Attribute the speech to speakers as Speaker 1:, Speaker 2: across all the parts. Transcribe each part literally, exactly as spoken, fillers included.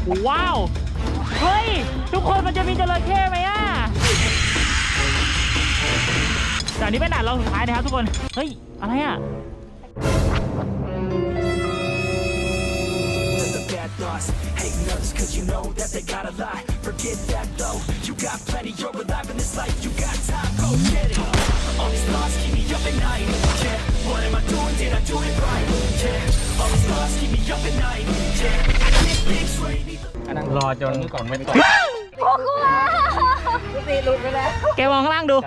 Speaker 1: ว้าวเฮ้ยทุกคนมันจะมีจระเข้ไหมอ่ะแต่อันนี้เป็นด่านเราสุดท้ายนะครับทุกคนเฮ้ยอะไรอ่ะ
Speaker 2: Hating others cause you know that they got a lie. Forget that though, you got plenty, you're alive in this life, you got time, go get it. All these thoughts keep me up at night, yeah. What am I doing, did I do it right, yeah. All these thoughts keep me up at night, yeah. I can't think straight either.
Speaker 3: รอจนก่อนไม่ตก
Speaker 4: โอ้กลัวตีหลุดไปแล้ว
Speaker 1: แกมองข้างล่างดู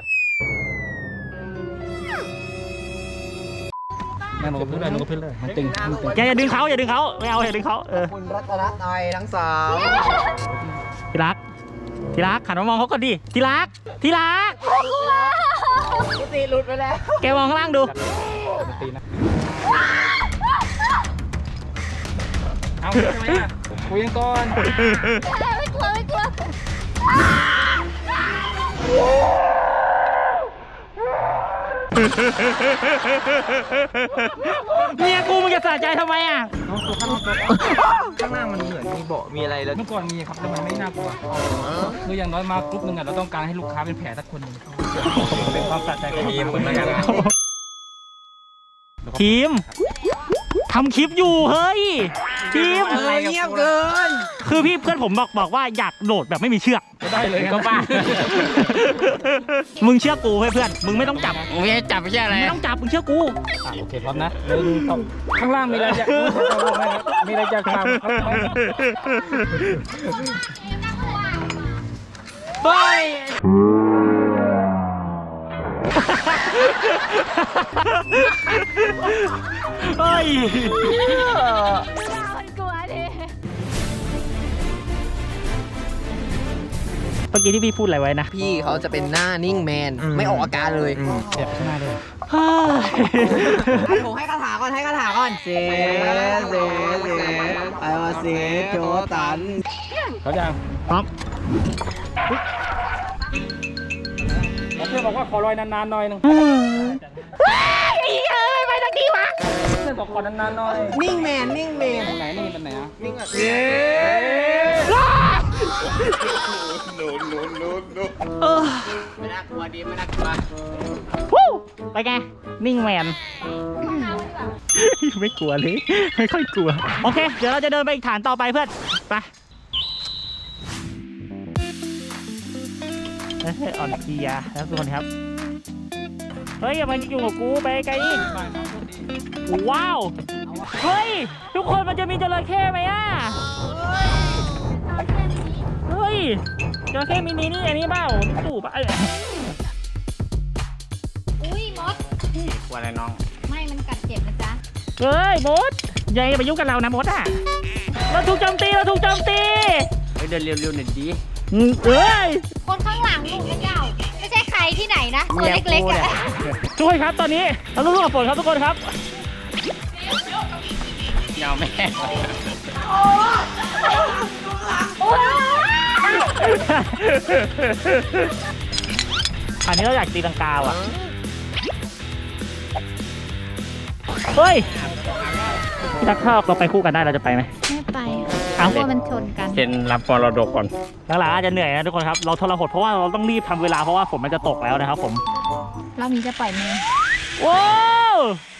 Speaker 3: แม่มันก็พื้นเลยมันก็พื้นเลยมันตึงมันตึง
Speaker 1: แกอย่าดึงเขาอย่าดึงเขาไม่เอาอย่าดึงเขาเออ
Speaker 4: คุณรัตนไตยทั้งสาม
Speaker 1: ที่รักที่รักหันมามองเขาก่อนดิที่รักที่รัก
Speaker 4: ตีหลุดไปแล้ว
Speaker 1: แกมองข้างล่างดู
Speaker 3: มันตีนะเอาทำไมอ่ะคุยกันก่อน
Speaker 4: ไม่กลัวไม่กลัว
Speaker 1: เมียกูมึงจะสะใจทำไมอ่ะ
Speaker 4: ข้างล่างมันเหมือนมีเบาะมีอะไรแล้ว
Speaker 3: เมื่อก่อนมีครับแต่มันไม่น่ากลัวคืออย่างน้อยมากรุ๊ปนึงอ่ะเราต้องการให้ลูกค้าเป็นแผลสักคนหนึ่งเป็นความสะใจของทีมคนละกันนะ
Speaker 1: ทีมทำคลิปอยู่เฮ้ยทีม
Speaker 4: เงียบเกิน
Speaker 1: คือพี่เพื่อนผมบอกบอกว่าอยากโดดแบบไม่มีเชือก
Speaker 3: ก็ได้เลย
Speaker 1: ก็บ้า มึงเชื่อกูเพื่อนมึงไม่ต้องจับ
Speaker 4: ไม่จับไม่ใช่อะไร
Speaker 1: ไม่ต้องจับมึงเชื่อกู
Speaker 3: โอเคพร้อมนะหนึ่งสองข้างล่างมีอะไรจะมีอะไรจะทำครับ
Speaker 1: เฮ้ยเฮ้ย
Speaker 4: คนกลัวดิ
Speaker 1: เมื่อกี้ที่พี่พูดอะไรไว้นะ
Speaker 5: พี่เขาจะเป็นหน้านิ่งแมนไม่ออกอาการเลย
Speaker 3: เจ็บข้างหน้าด้วย
Speaker 1: เฮ้ย
Speaker 5: ผมให้คาถาก่อนให้คาถาก่อนเซเซเซไอวาเซโจตัน
Speaker 3: เขายัง
Speaker 1: พร้อม
Speaker 3: เพื่อนบอกว่าขอรอยนานๆหน่อยนึง
Speaker 1: เฮ้ยไอ้เอ้ยไปทางนี้วะ
Speaker 3: เพื่อนบอกขอนานๆหน่อย
Speaker 5: นิ่งแมนนิ่งแมน
Speaker 3: ตรงไหนนี่เป็นไหนอ่ะ
Speaker 5: นิ่งแบบ
Speaker 1: เออ
Speaker 5: ไม่น่ากลัวดีไม่น่ากลัว
Speaker 1: วู้ไปไงนิ่งแมนไม่กลัวเลยไม่ค่อยกลัวโอเคเดี๋ยวเราจะเดินไปอีกฐานต่อไปเพื่อนไปเฮ้ยอ่อนเพลียแล้วทุกคนครับเฮ้ยอย่ามาอยู่กับกูไปไกลอีกว้าวเฮ้ยทุกคนมันจะมีจระเข้ไหมอ่ะเฮ้ยจระเข้มินินี่อันนี้เปล่าตู่ปะ
Speaker 4: อุ้ยมด
Speaker 1: กลัวอะไรน้อง
Speaker 4: ไม่มันกัดเจ็บนะจ๊ะ
Speaker 1: เฮ้ยมดอย่าไปยุ่งกับเรานะมดอ่ะเราถูกโจมตีเราถูกโจมตี
Speaker 5: เฮ้ยเดินเร็วๆหน่อยดี
Speaker 1: อืมเอ้ย
Speaker 4: คนข้างหลังลูกเจ้าไม่ใช่ใครที่ไหนนะตัวเล็กๆอ่ะ
Speaker 1: ทุกคนครับตอนนี้เราต้องรู้กับฝนครับทุกคนครับ
Speaker 3: ยาวแม่
Speaker 1: อันนี้เราอยากตีลังกาว่ะเฮ้ยพี่ทักถ้าเราไปคู่กันได้เราจะไปไหม
Speaker 4: ไม่ไป
Speaker 1: เอา
Speaker 4: กลัวมันชนกัน
Speaker 3: เซ็นรับมรดกก่อน
Speaker 1: หลังๆอาจจะเหนื่อยนะทุกคนครับเราทรหดเพราะว่าเราต้องรีบทำเวลาเพราะว่าฝนมันจะตกแล้วนะครับผม
Speaker 4: เรามีจะปล่อยมือ
Speaker 1: ว้าว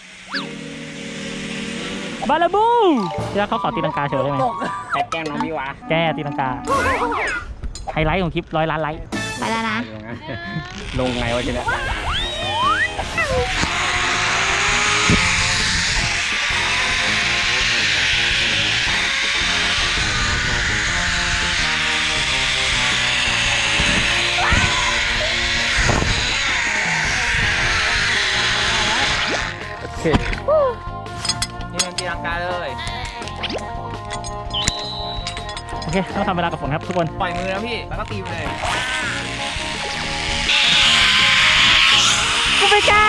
Speaker 1: บาลาบูพี่ทักเขาขอตีลังกาเฉยได้ไหม
Speaker 3: แอบแกล้งน้องมิวะ
Speaker 1: แกตีลังกาไฮไลท์ของคลิปร้อยล้านไลค์
Speaker 4: ไปแล้วนะ
Speaker 3: ลงไงวะทีเนี้ย
Speaker 5: โอเคนี่มันตีลังกาเลย
Speaker 1: โอเคต้องทำเวลากับฝนครับทุกคน
Speaker 5: ปล่อยมือแล้วพี่แล้วก็ตีไปเลย
Speaker 1: กูไม่กล้า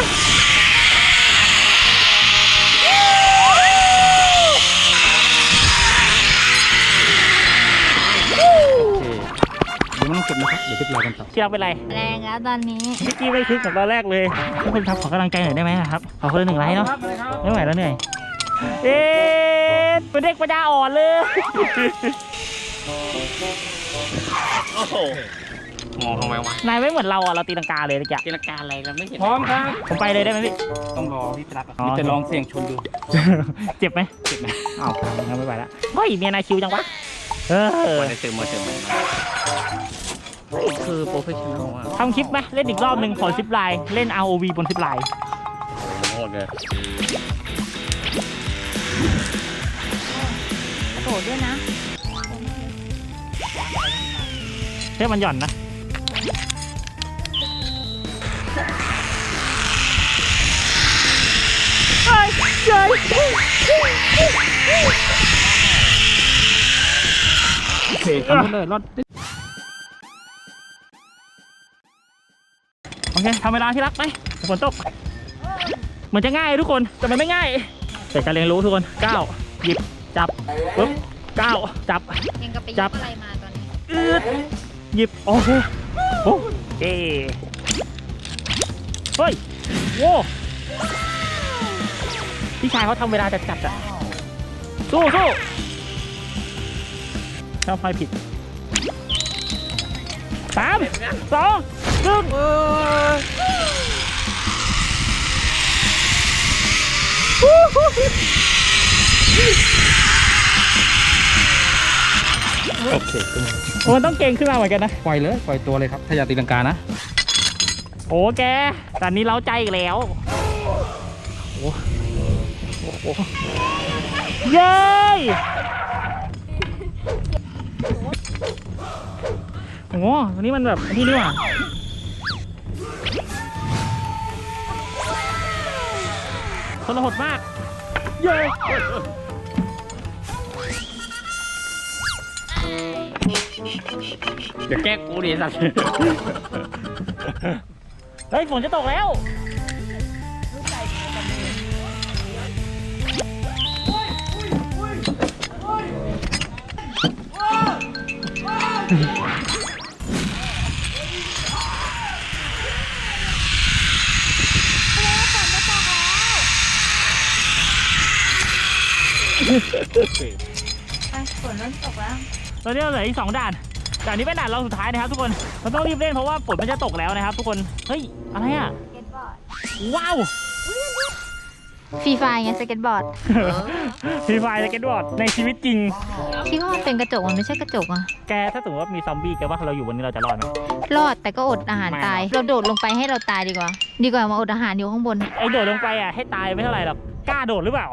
Speaker 3: เดี๋ยวไม่ต้องเก็บนะครับ เดี๋ยวเก็บรอกันต่อ
Speaker 1: ที่รักเป็นไร
Speaker 4: แรงแล้วตอนนี้
Speaker 1: พี่กี้ไม่คึกกับตอนแรกเลยทุกคนครับขอกำลังใจหน่อยได้ไหมครับขอคนละหนึ่งไลค์เนาะไม่ไหวแล้วเหนื่อยเอ๊ะดเป็นเด็กปัญญาอ่อนเลยโอ้โหมองทำไมวะนายไม่เหมือนเราอ่ะเราตีลังกาเลยตะกี้ตีลังกาอะไรเราไม่เห็นพร้อมครับผมไปเลยได้ไหมพี่ต้องรอพี่ปลั๊กพี่จะลองเสี่ยงชนดูเจ็บไหมเจ็บไหมอ้าวงั้นไม่ไหวละเฮ้ยเมียนายคิวจังวะเออได้เติมมาเติมมาคือโปรเฟชชั่นอลทำคลิปไหมเล่นอีกรอบหนึ่งขอซิปไลน์เล่น อาร์ โอ วี บนซิปไลน์โหดเลย
Speaker 4: กระโดดด้วยนะ
Speaker 1: เฮ้ยมันหย่อนนะเฮ้ยเฮ้ยโอเคทำเลยรอดโอเคทำเวลาที่รักไปฝนตกเหมือนจะง่ายทุกคนแต่มันไม่ง่ายแต่การเรียนรู้ทุกคนก้าวหยิบจับปึ๊บก้าวจับ
Speaker 4: ยังกับไป
Speaker 1: จั
Speaker 4: ย
Speaker 1: บ
Speaker 4: กอะไรมาตอนนี้
Speaker 1: อืดหยิบโอเคโอ้เอ้เฮ้ยโว้พี่ชายเขาทำเวลาจัดจัดอะสู้สู้ชอบพายผิดสามสองหนึ่งโอเคมันต้องเก่งขึ้นมาเหมือนกันนะ
Speaker 3: ปล่อยเลยปล่อยตัวเลยครับถ้าอยากตีลังกานะ
Speaker 1: โอ้แกตอนนี้เล้าใจอีกแล้วโอ้โหเย้โอ้โหอันนี้มันแบบที่นี่ว่ะทรหดมากเย้เดี๋ยวแก้กูดิสัตว์เฮ้ยฝนจะตกแล้ว
Speaker 4: ไปฝนเริ่มตกแล้ว
Speaker 1: ตอนนี้เราเหลืออีกสองด่านด่านนี้เป็นด่านเราสุดท้ายนะครับทุกคนเราต้องรีบเล่นเพราะว่าฝนมันจะตกแล้วนะครับทุกคนเฮ้ยอะไรอ่ะว้าว
Speaker 4: ฟรีไฟไงสเก็ตบอร์ด
Speaker 1: ฟรีไฟสเก็ตบอร์ดในชีวิตจริง
Speaker 4: คิดว่ามันเป็นกระจกมันไม่ใช่กระจกอ่ะ
Speaker 1: แกถ้าสมมติว่ามีซอมบี้แกว่าเราอยู่บนนี้เราจะรอดไหม
Speaker 4: รอดแต่ก็อดอาหารตาย เราโดดลงไปให้เราตายดีกว่า ดีกว่ามาอดอาหารอยู่ข้างบน
Speaker 1: ไอโดดลงไปอ่ะให้ตายไม่เท่าไหร่หรอกกล้าโดดหรือเปล่า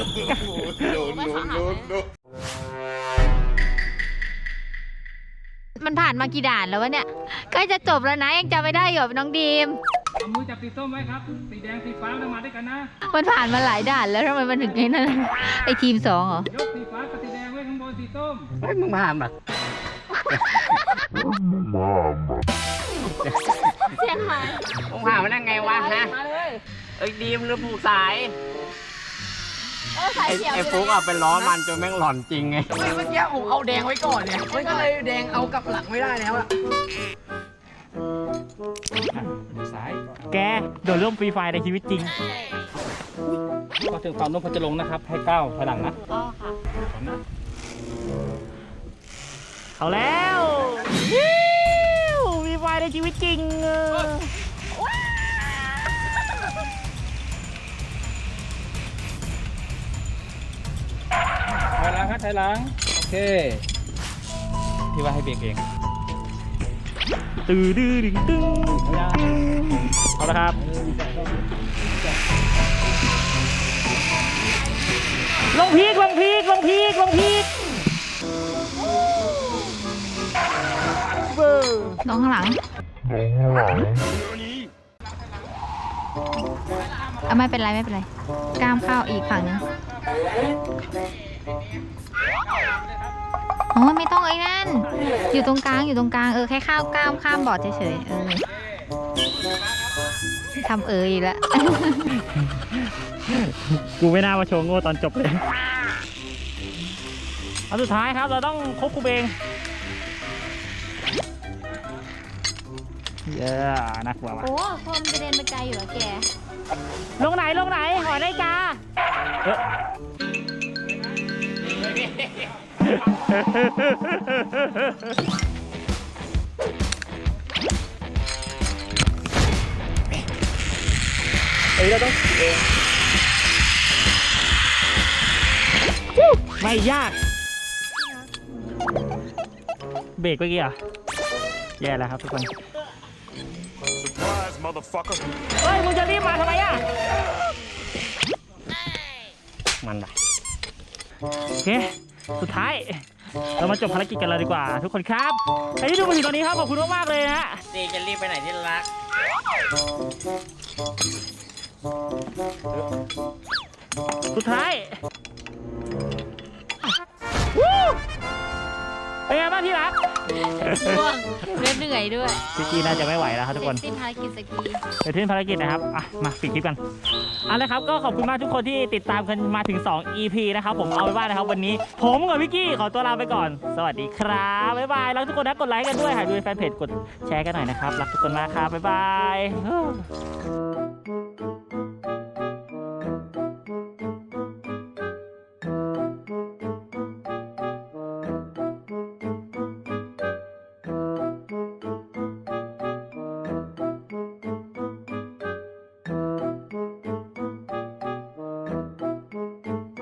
Speaker 4: มันผ่านมากี่ด่านแล้ววะเนี่ยใกล้จะจบแล้วนะยังจำไม่ได้อยู่น้องดีม
Speaker 3: เอามือจับสีส้มไว้ครับสีแดงสีฟ้าต้องมาด้วยกันนะ
Speaker 4: มันผ่านมาหลายด่านแล้วทำไมมันถึงไอ้นั่นไอทีมสองเหรอย
Speaker 3: กสีฟ้ากับสีแดงไว้ข้างบนสีส้ม
Speaker 1: เฮ้ยมึงมาหาแบบ
Speaker 4: เสียงหาย
Speaker 1: มึงหามันได้ไงวะฮะเอ้ยดีมหรือผูกสาย
Speaker 4: เออสายเขียว
Speaker 1: ไอ้ฟุกอ่ะเป็นล้อมันจนแม่งหลอนจริงไง
Speaker 5: เมื่อกี้ผมเอาแดงไว้ก่อนเนี่ยมันก็เลยแดงเอากลับหลังไม่ได้แล้วอะ
Speaker 3: ซ้าย
Speaker 1: แกโดดร่มฟรีไฟในชีวิตจริง
Speaker 3: พอถึงฝั่งโน้นพอจะลงนะครับให้ก้าวถอยหลังนะ
Speaker 4: อ๋อค่ะ
Speaker 1: เอาแล้วฟรีไฟในชีวิตจริง
Speaker 3: ถอยหลังครับถอยหลังโอเคพี่ว่าให้เบรกเอง
Speaker 1: ตื้อดื้อดึงตึ้งเอาละครับลงพีกลงพีกลงพีกลงพีก
Speaker 4: น้องข้างหลังอ่ะไม่เป็นไรไม่เป็นไรกล้ามเข้าอีกฝั่งนึงอ๋อไม่ต้องไอ้นั่นอยู่ตรงกลางอยู่ตรงกลางเออแค่ข้าวก้ามข้ามบอร์ดเฉยๆเออทำเอออีกแล้ว
Speaker 1: กูไม่น่ามาโชว์โง่ตอนจบเลยอันสุดท้ายครับเราต้องควบคุมเองเยอะนักว่า
Speaker 4: โอ้คนจะเดินไปไกลอยู่แล้วแก
Speaker 1: ลงไหนลงไหนหอนาฬิกาเออเอ้ยเราต้องขี่เองไม่ยากเบรกเมื่อกี้อ่ะแย่แล้วครับทุกคน
Speaker 6: Surprise, motherfucker.
Speaker 1: เฮ้ยมึงจะรีบมาทำไมอ่ะมันไปโอเคสุดท้ายเรามาจบภารกิจกันเลยดีกว่าทุกคนครับใครที่ดูมาถึงตอนนี้ครับขอบคุณมากๆเลยนะฮะเจจะรีบไปไหนที่รักสุดท้ายวู้เป็นไงบ้างที่รัก
Speaker 4: ง่วงและเหนื่อยด้วย
Speaker 1: พี่กีน่าจะไม่ไหวแล้วครับทุกคน
Speaker 4: เสร็จสิ้นภารกิจสกี
Speaker 1: เดี๋ยวทิ้งภารกิจนะครับอ่ะมาปิดคลิปกันเอาละครับก็ขอบคุณมากทุกคนที่ติดตามกันมาถึงสอง อี พี นะครับผมเอาไว้ว่านะครับวันนี้ผมกับพี่กี้ขอตัวลาไปก่อนสวัสดีครับบ๊ายบายรักทุกคนนะกดไลค์กันด้วยหากดูในแฟนเพจกดแชร์กันหน่อยนะครับรักทุกคนมากครับบ๊ายบาย